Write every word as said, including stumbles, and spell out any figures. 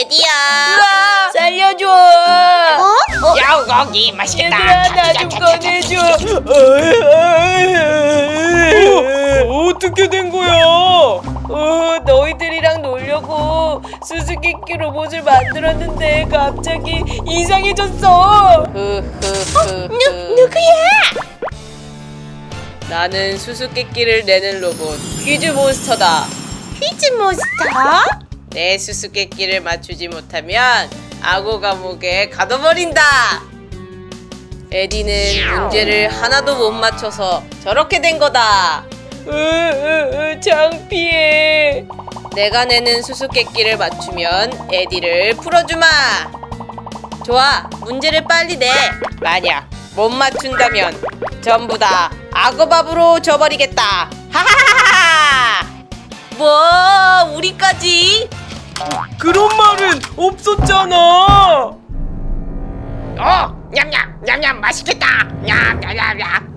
에디야. 으아! 살려줘. 어? 야우 고기 맛있겠다. 얘들아 나 좀 꺼내줘. 어, 어떻게 된 거야? 어, 너희들이랑 놀려고 수수께끼 로봇을 만들었는데 갑자기 이상해졌어. 흐흐흐. 누구야? 나는 수수께끼를 내는 로봇 퀴즈 몬스터다. 퀴즈 몬스터? 내 수수께끼를 맞추지 못하면 악어 감옥에 가둬버린다. 에디는 문제를 하나도 못 맞춰서 저렇게 된 거다. 으, 으, 으, 창피해. 내가 내는 수수께끼를 맞추면 에디를 풀어주마. 좋아, 문제를 빨리 내. 만약 못 맞춘다면 전부 다 악어밥으로 줘버리겠다. 하하하하. 뭐 우리까지? 그런 말은 없었잖아. 어, 냠냠 냠냠 맛있겠다. 냠냠냠냠.